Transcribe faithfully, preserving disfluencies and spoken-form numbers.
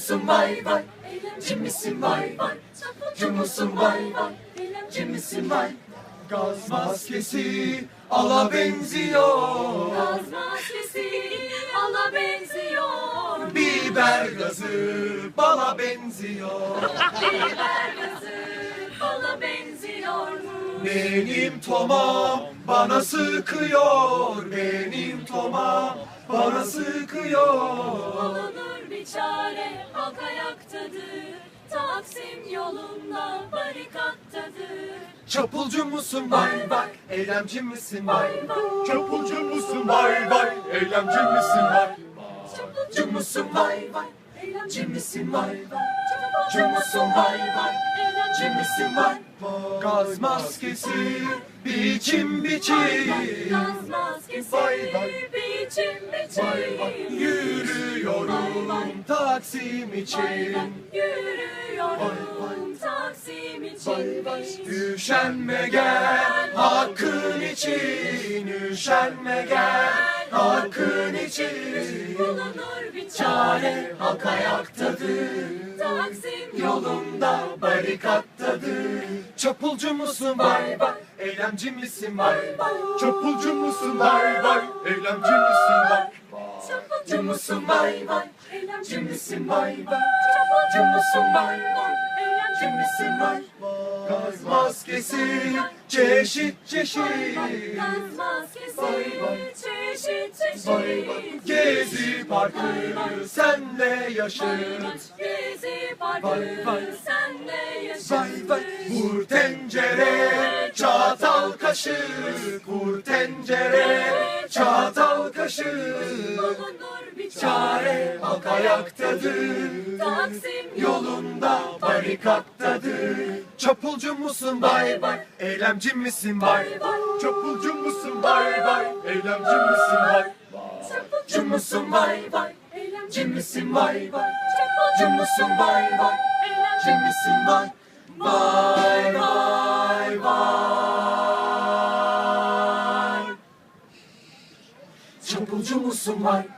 musun vay vay? Eylemci misin vay vay? Çapulcu musun vay vay? Eylemci misin vay? Gaz maskesi ala benziyor. Gaz maskesi ala benziyor. Biber gazı bala benziyor. Biber gazı bala benziyor mu? Benim tomam bana sıkıyor. Benim tomam bana sıkıyor. Bulunur bir çare, halk ayaktadır. Taksim yolunda barikattadır. Çapulcu musun vay vay? Eylemci misin vay vay? Çapulcu musun vay vay? Eylemci misin vay? Çapulcu musun vay vay? Eylemci misin vay vay? Çapulcu musun vay vay? Eylemci misin vay? Gaz maskesi biçim biçim. Gaz maskesi Vay vay. biçim Vay vay. biçim. Yürüyorum Taksim için. Yürüyorum Taksim için. Üşenme gel hakkın için. Üşenme gel hakkın için. Bulunur bir Çare halk ayaktadır. Taksim Yolunda barikattadır. Çapulcu musun vay vay? Eylemci misin vay vay? Çapulcu musun vay vay? Eylemci misin vay? Çapulcu musun vay vay? Eylemci misin vay vay? Çapulcu musun vay vay? Eylemci misin vay? Gaz maskesi çeşit çeşit. Gaz maskesi Vay vay. çeşit çeşit. Vay vay. Gezi parkı senle yaşıt. Gezi parkı Vay vay. senle yaşıt. Vay vay. Vur tencere çatal kaşık. Vur tencere çatal kaşık. Bulunur bir Çare halk ayaktadır. Taksim Yolunda barikattadır. Çapulcu musun vay vay? Eylemci misin vay vay? Çapulcu musun vay vay? Eylemci misin vay? Çapulcu musun vay vay? Eylemci misin vay vay? Çapulcu musun vay vay? Eylemci misin vay? Vay vay vay. Çapulcu musun vay?